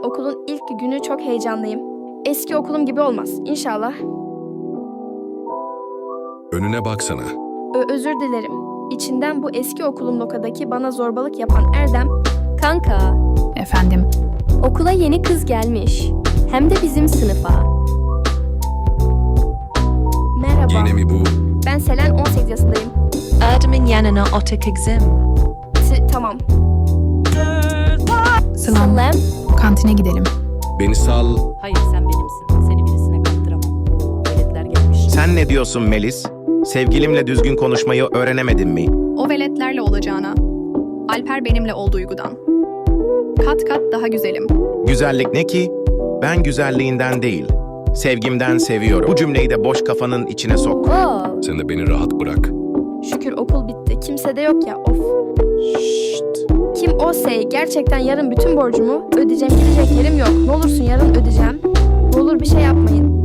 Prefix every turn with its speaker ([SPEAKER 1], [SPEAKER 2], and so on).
[SPEAKER 1] Okulun ilk günü çok heyecanlıyım. Eski okulum gibi olmaz, İnşallah.
[SPEAKER 2] Önüne baksana.
[SPEAKER 1] Özür dilerim. İçinden bu eski okulum lokadaki bana zorbalık yapan Erdem.
[SPEAKER 3] Kanka,
[SPEAKER 4] Efendim,
[SPEAKER 3] okula yeni kız gelmiş. Hem de bizim sınıfa.
[SPEAKER 1] Merhaba.
[SPEAKER 2] Yine mi bu?
[SPEAKER 1] Ben Selen, 18 yaşındayım.
[SPEAKER 5] Erdem'in yanına otur kızım.
[SPEAKER 1] Tamam.
[SPEAKER 4] Sılam,
[SPEAKER 3] Selam.
[SPEAKER 4] kantine gidelim.
[SPEAKER 2] Beni sal.
[SPEAKER 6] Hayır sen benimsin. Seni birisine kaptıramam. Veletler gelmiş.
[SPEAKER 7] Sen ne diyorsun Melis? Sevgilimle düzgün konuşmayı öğrenemedin mi?
[SPEAKER 8] O veletlerle olacağına. Alper benimle ol duygudan. Kat kat daha güzelim.
[SPEAKER 7] Güzellik ne ki? Ben güzelliğinden değil, sevgimden seviyorum. Bu cümleyi de boş kafanın içine sok.
[SPEAKER 3] Wow.
[SPEAKER 2] Sen de beni rahat bırak.
[SPEAKER 1] Şükür okul bitti. Kimse de yok ya, of. Kim o sey? Gerçekten yarın bütün borcumu ödeyeceğim. Gidecek yerim yok. Ne olursun yarın ödeyeceğim. Ne olur bir şey yapmayın.